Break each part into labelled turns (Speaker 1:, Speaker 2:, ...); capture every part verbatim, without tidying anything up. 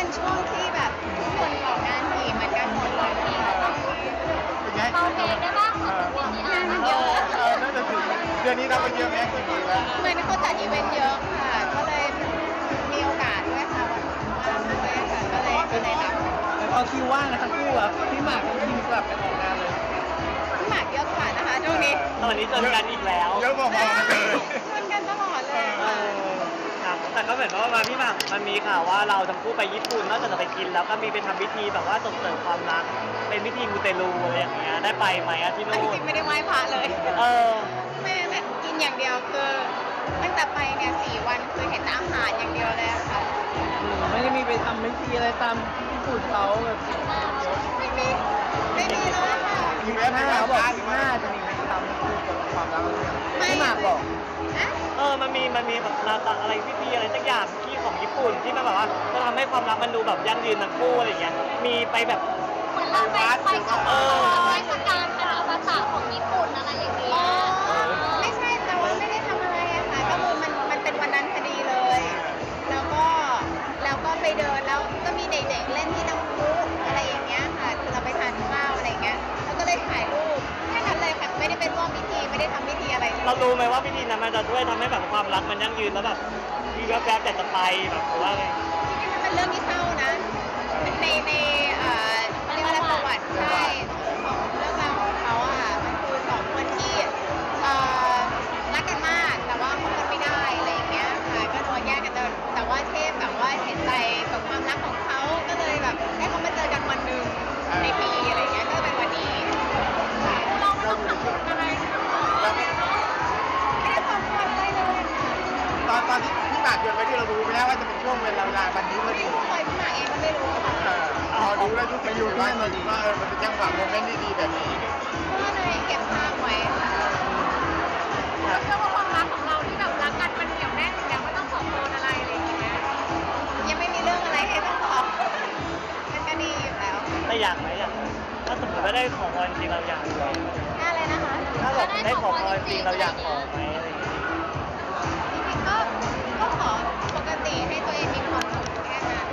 Speaker 1: ช่วงที่แบบทุกคนออกงานถี่เหมือนกันหมดเลยค่ะ
Speaker 2: เบาเพลงได้บ้าง
Speaker 3: เออ
Speaker 2: ของพี่อาร์
Speaker 3: เออเออน่าจะถึงเดือนนี้นับไปเยอะแม่กี่ปีแล้ว
Speaker 1: เหมือนเขาจัดอีเวนต์เยอะค่ะ ก็เลยมีโอกาสด้วยค่ะวันว่างด้วยค่ะก็เลยก็เลยรับ
Speaker 4: พอคิวว่างนะทั้งคู่อะพี่หมากกับพี่คิมกลับไปออกงานเลย
Speaker 1: พี่หมากเยอะกว่านะคะช่วงนี้
Speaker 5: ตอนนี้เจอกันอีกแล้ว
Speaker 3: เยอะพอๆกันเลย
Speaker 1: ชวนกันตลอดเลย
Speaker 5: เอ
Speaker 1: ค่ะ
Speaker 5: อครับแต่ก็เหมือนว่าพี่หมากมันมีข่าวว่าเราทั้งคู่ไปญี่ปุ่นนอกจากจะไปกินแล้วก็มีไปทำพิธีแบบว่าส่งเสริมความรักเป็นพิธีมูเตลูอะไรอย่างเงี้ยได้ไปไหมอะที่
Speaker 1: แต่จ
Speaker 5: นู่น
Speaker 1: ริงๆไม่ได้ไหว้พระเลย
Speaker 5: เออ
Speaker 1: ไม่แต่กินอย่างเดียวคือตั้งแต่ไปเนี่ยสี่วันคือเห็นแต่อาหารอย่างเดียวเลยค่ะ
Speaker 4: ไม่ได้มีไปทำพิธีอะไรตามญี่ปุ่นเขาแบบ
Speaker 1: ไม่มีไม่มีเลยค่ะ
Speaker 3: มีแม่
Speaker 4: หน้า
Speaker 3: แม่
Speaker 4: เขา
Speaker 3: บบ อ
Speaker 4: อก กหน้าจะมีไปทำคู่กับความรักพี่หมากบอก
Speaker 1: อะ
Speaker 5: เออมันมีมันมีแบบอะไรพิธีอะไรสักอย่างที่ของญี่ปุ่นที่มันแบบว่าจะทำให้ความรักมันดูแบบยั่งยืนทั้งคู่อะไรอย่างเงี้ยมีไปแบบ
Speaker 2: เหมือนเราไปไปขอเทศกาลคาราบาตะของญี่ปุ่นอะไรอย่างเงี้
Speaker 1: อ๋
Speaker 2: ย
Speaker 1: อไม่ใช่แต่ว่าไม่ได้ทำอะไรอะค่ะก็คือมันมันเป็นวันนั้นพอดีเลย แล้วก็แล้วก็ไปเดินแล้วก็มีเด็กๆเล่นที่น้ำพุอะไรอย่างเงี้ยค่ะคือเราไปทานข้าวอะไรอย่างเงี้ยแล้วก็เลยถ่ายรูปแค่นั้นเลยค่ะไม่ได้เป็นร่วมพิธีไม่ได้ทำพิธีอะไรเลย
Speaker 5: เรารู้ไหมว่าพิธีนั้นมันจะช่วยทำให้แบบความรักมันยั่งยืนแล้วแบบมีแวบๆแต่จะไปแบบหรือว่าไง
Speaker 1: จริงๆมันเป็นเรื่องที่เศร้านะในในเอ่อเรียกว่าอะไรประวัติใช่ของเรื่องราวของเขาอะค่ะมันคือสองคนที่เอ่อรักกันมากแต่ว่าคบกันไม่ได้อะไรอย่างเงี้ยค่ะก็โดนแยกกันเดินแต่ว่าเทพแบบว่าเห็นใจกับความรักของเขาก็เลยแบบให้เขามาเจอกันวันหนึ่งในปีอะไรอย่างเงี้ยก็เป็นวันนี้ค่ะ
Speaker 2: เราไม่ต้องทำบุญอะไร
Speaker 3: แล้ว
Speaker 1: ไม่ได้ความควรอะไรเลยค่ะ
Speaker 3: ตอนตอนที่พี่หมากชวนไปที่เรารู้ไหมว่าจะเป็นช่วงเวลาเวลาวันนี้พอ
Speaker 1: ไม่
Speaker 3: ดี
Speaker 1: รู้เลยพี่หมากเองก็ไม่รู้ค่ะ
Speaker 3: เออพอรู้แล้วรู้สึกอยู่ว่ามันว่าเออมันเป็นจังหวะโมเมนต์ดีๆแบบนี้
Speaker 1: ก็เลยเก็บภาพไว้ค่ะ
Speaker 2: เราเชื่อว่าความรักของเราที่แบบรักกันมันเหนียวแน่นอยู่แล้วไม่ต้องขอพรอะไรอะไรอย่างเงี้ย
Speaker 1: ยังไม่มีเรื่องอะไรให้ต้องขอมันก็ดีอยู่แล้ว
Speaker 5: แต่อยากไหมอยากไหมถ้าสมมติว่าได้ขอพรจริงเราอยากไหม
Speaker 1: น่าเลยนะคะ
Speaker 5: ถ้าแบบได้ขอพรจริงเราอยากขอไหมอะไรอย่างเงี้ย
Speaker 1: จริงๆก็ก็ขอปกติให้ตัวเองมีความสุขแค่นั้น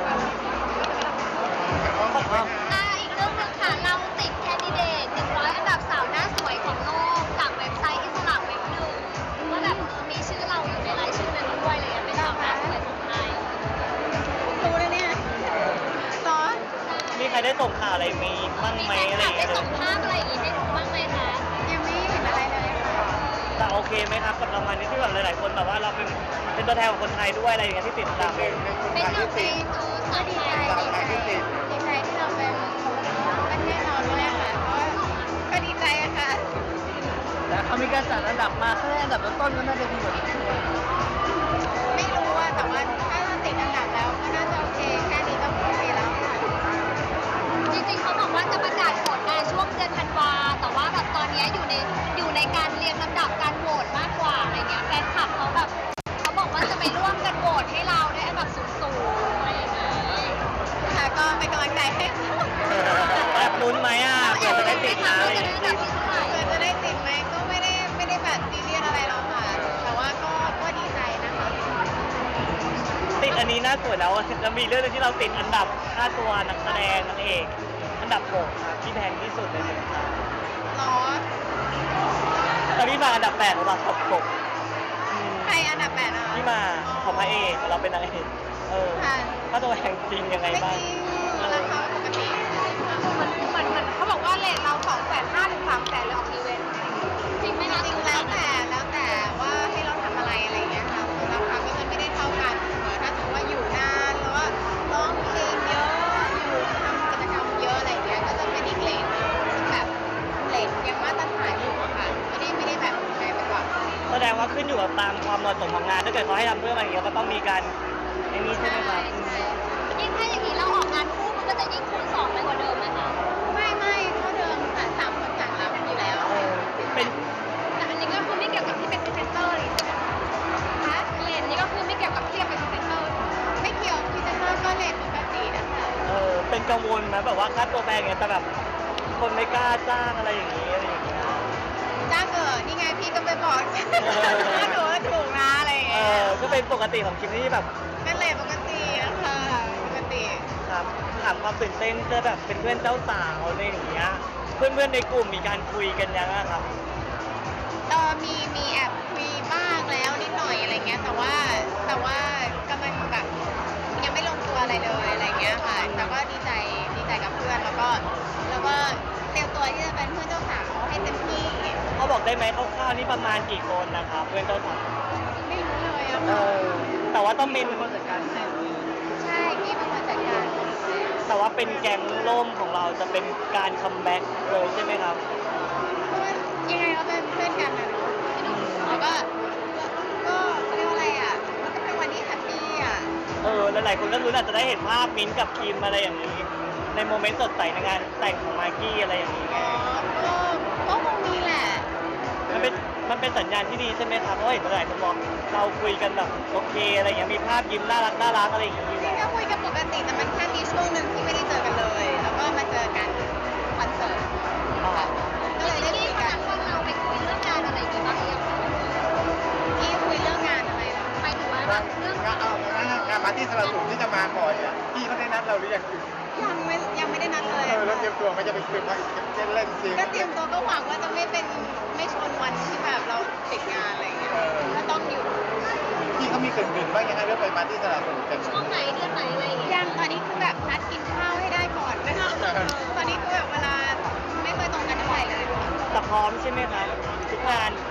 Speaker 2: อ่าอีกเรื่องหนึงค่ะเราติดแคนดิเดตหนึ่งร้อยอันดับสาวหน้าสวยของโลกจากเว็บไซต์อิสระเว็บหนึ่งว่าแบบมีชื่อเราอยู่ในรายชื่อนั้นด้วยเลยอะเป็นสาวหน้าสวยของไทย
Speaker 1: รู้แล้วเนี่ยซอส
Speaker 5: มีใครได้ส่งข่าวอะไรมีบ้าง
Speaker 2: มี
Speaker 5: ไหม
Speaker 2: แฟน
Speaker 5: อะไร
Speaker 2: ค
Speaker 5: อ
Speaker 2: ลับ
Speaker 5: ย่าง
Speaker 2: ได้
Speaker 5: เงี้ย
Speaker 2: ส่งภาพอะไรอย่างงี้ให้ดูบ้างไหมคะ
Speaker 1: ยังไม่เห็นอะไรเลยค่ะ
Speaker 5: แต่โอเคไหมครับกับรางวัลนี้ที่แบบหลายๆคนแบบว่าเราเป็นเป็นตัวแทนของคนไทยด้วยอะไรอย่างเงี้ยที่ติดตาม
Speaker 3: หนึ่งในคน
Speaker 2: เป็น
Speaker 3: ไทย
Speaker 2: หนึ่
Speaker 3: ที่
Speaker 2: งใน
Speaker 3: ติด
Speaker 2: เออ
Speaker 1: ก็
Speaker 2: สาว
Speaker 1: ดี
Speaker 2: ไท
Speaker 1: ใจ
Speaker 2: ย
Speaker 1: ดีใจดีใจที่เราเป็นประเทศเราด้วยค่ะเพราะว่าก็ดีใจอะค่ะ
Speaker 4: แต่เขามีการจัดอันดับมาแค่อันดับต้นๆก็น่าจะดีกว่านี้
Speaker 1: ไม่รู้อะแต่ว่าถ้าเราติดอันดับแล้วก็น่าจะโอเคแค่นี้ก็โอเคแล้วค่ะ
Speaker 2: จริงๆเขาบอกว่าจะประกาศผลในช่วงเดือนธันวาแต่ว่าแบบตอนเนี้ยอยู่ในอยู่ในการเรียงลำดับการโหวตมากกว่าอะไรเงี้ยแฟนคลับเขาแบบเขาบอกว่าจะไปร่วมกันโหวตให้เราได้อันดับสูงๆอะไรอย่างงี้
Speaker 1: ค่ะก็เป็นกำลังใจให้ค่ะ
Speaker 5: แอบลุ้นไหมอ่ะเผื่อจะได้ติดนะอะไรอย่าง
Speaker 2: จะได้
Speaker 5: เงี้ย
Speaker 2: อันดับที่เท่าไหร่
Speaker 1: เกิดจะได้ติดไหมก็ไม่ได้ไม่ได้แบบซีเรียสอะไรหรอกค่ะ แต่ว่าก็ก็ดีใจนะคะ
Speaker 5: ติดอันนี้น่าสวยแล้วจะมีเรื่องหนึงที่เราติดอันดับค่าตัวนักแสดงนางเอกอันดับหกครับที่แพงที่สุดในเมืองไทย
Speaker 1: หรอ
Speaker 5: ตอนนี้มาอันดับแปดหรือเปล่าหกหกอืม
Speaker 1: ใครอันดับแปดอ่ะ
Speaker 5: ที่มาของพระเอกเราเป็นนางเอกเออ
Speaker 1: ค่ะ
Speaker 5: ค่าตัวแพงจริงยังไง
Speaker 1: ไม่
Speaker 5: บ้า
Speaker 1: จ
Speaker 5: ง
Speaker 1: ริงราคาปกติ
Speaker 2: เหมือนเหมือนเหมือนเขาบอกว่าเลทเราสองแสนห้าถึงสามแสนเลยออกอีเวนต์จริงไหมคะ
Speaker 1: จริงแล้วแต่แล้วแต่ว่าให้เราทำอะไรอะไรอย่างเงี้ยค่ะคือราคาก็จะไม่ได้เท่ากันเออถ้าสมมติว่าอยู่นานแล้วก็ร้องเพลงเยอะอยู่ทำกิจกรรมเยอะอะไรอย่างเงี้ยก็จะเป็นอีกเลนนึงซึ่งแบบเลนยังมาตรฐานอยู่อะค่ะไม่ได้ไม่ได้แบบแพงไปกว่า
Speaker 5: แสดงว่าขึ้นอยู่กับตามความเหมาะสมของงานถ้าเกิดเขาให้ทำเพื่ออะไรอย่างเงี้ยก็ต้องมีการไอ้นี่ใช่ไหมครับ
Speaker 2: ใช่ยิ่งถ้าอย่างนี้เราออกงานคู่มันก็จะยิ่งคูณสองไปกว่าเดิมไหมคะ
Speaker 1: ไม่ไม่เท่าเดิมค่ะสามคนต่างรับอยู่แล้ว
Speaker 5: เออเป็น
Speaker 2: แต่อันนี้ก็คือไม่เกี่ยวกับที่เป็นพรีเซนเตอร์เลยใช่ไหมคะ
Speaker 1: คะ
Speaker 2: เลนนี้ก็คือไม่เกี่ยวกับที่จะเป็นพรีเซนเตอร์
Speaker 1: ไม่เกี่ยวพรีเซนเตอร์ก็เลทปกตินะคะ
Speaker 5: เออเป็นกังวลไหมแบบว่าค่าตัวแพงเงี้ยแต่แบบคนไม่กล้าจ้างอะไรอย่างงี้อะไรอย่างเงี้ย
Speaker 1: จ้าเกิดนี่ไงพี่ก็ไปบอก ถ้าหนูว่าถูกนะอะไรอย่าง
Speaker 5: เอ
Speaker 1: เงี้ย
Speaker 5: อก็เป็นปกติของคลิปที่แบบ
Speaker 1: ก็เลทปกตินะคะปกติ
Speaker 5: ามความตื่นเต้นเจอแบบเป็นเพื่อนเจ้าสาวอะไรอย่างเงี้ยเพื่อนๆในกลุ่มมีการคุยกันยังอะครับ
Speaker 1: เออมีมีแอบคุยบ้างแล้วนิดหน่อยอะไรเงี้ยแต่ว่าแต่ว่ากำลังแบบยังไม่ลงตัวอะไรเลยอะไรเงี้ยค่ะแต่ก็ดีใจดีใจกับเพื่อนแล้วก็แล้วก็เตรียมตัวที่จะเป็นเพื่อนเจ้าสาวให้เต็มที่
Speaker 5: เขาบอกได้ไหมคร่าวๆนี่ประมาณกี่คนนะครับเพื่อนเจ้าสาว
Speaker 1: ไม่รู้เลยอะ
Speaker 5: เออแต่ว่าต้องเป็น
Speaker 4: เป็นคนจัดการให้
Speaker 1: ใช่พี่เป็นคนจัดการ
Speaker 5: แต่ว่าเป็นแก๊งล่มของเราจะเป็นการคัมแบ็กเลยใช่ไหมครับ
Speaker 1: เพราะว่ายังไงเราเป็นเพื่อนกันนะเนาะแล้วก็ก็เขาเรียกว่าอะไรอ่ะมันก็เป็นวันที่แฮปปี้อ่ะ
Speaker 5: เออหลายๆคนก็รู้นอาจจะได้เห็นภาพมิ้นท์กับคิมอะไรอย่างนี้ ในโมเมนต์สดใสในงานแต่งของมากกี้อะไรอย่างนี้ไง
Speaker 1: อ๋อก็ก็คงมีแหละ
Speaker 5: มันเป็นมันเป็นสัญญาณที่ดีใช่ไหมครับเพราะเห็นหลายคนบอกเราคุยกันแบบโอเคอะไรอย่างเงี้ยมีภาพยิ้มน่ารักน่ารักอะไรอย่างงี้อยู่
Speaker 1: จริง
Speaker 5: แล้ว
Speaker 1: ก็คุยกันปกติแต่มันแค่มีช่วงหนึ่งที่ไม่ได้เจอกันเลย แล้วก็มาเจอกันคอนเสิร์ตค่ะก็เลยได้คุ
Speaker 2: ที่
Speaker 1: ย
Speaker 2: เขา
Speaker 1: กัน
Speaker 2: นัดว่าเราไปคุยเรื่องงานอะไรอย่างงี้บ้างหรือยังคะ
Speaker 1: ที่คุยเรื่องงานอะไรเหรอ
Speaker 2: หมายถึงว่าแบบเรื่อง
Speaker 3: งานเอางานงานปาร์ตี้สลับสูงที่จะมาก่อนอ่ะพี่เขาได้นัดเราหรือยัง
Speaker 1: ยังไม่ยังไม่ได้นัดเลย
Speaker 3: เออแล้วเตรียมตัวไม่จะไปคุยเล่นเล่นจริง
Speaker 1: ก็เตรียมตัวก็หวังว่าจะไม่เป็นไม่ชนวันที่แบบเราติดงานอะไรอย่างเงี้ยก็ต้องอยู่
Speaker 3: พี่เขามีเกรินๆบ้างยังไงเรื่องไปปาร์ตี้สลับสูงกัน
Speaker 2: ช่วงไหนเดือนไหนอะไรอย่างเงี้ย
Speaker 1: ยังตอนนี้คือแบบนัดกินข้าวให้ได้ก่อนนะคะตอนนี้คือแบบเวลาไม่ค่อยตรงกันเท่าไหร่เลย
Speaker 5: แต่พร้อมใช่ไหมครับทุกงาน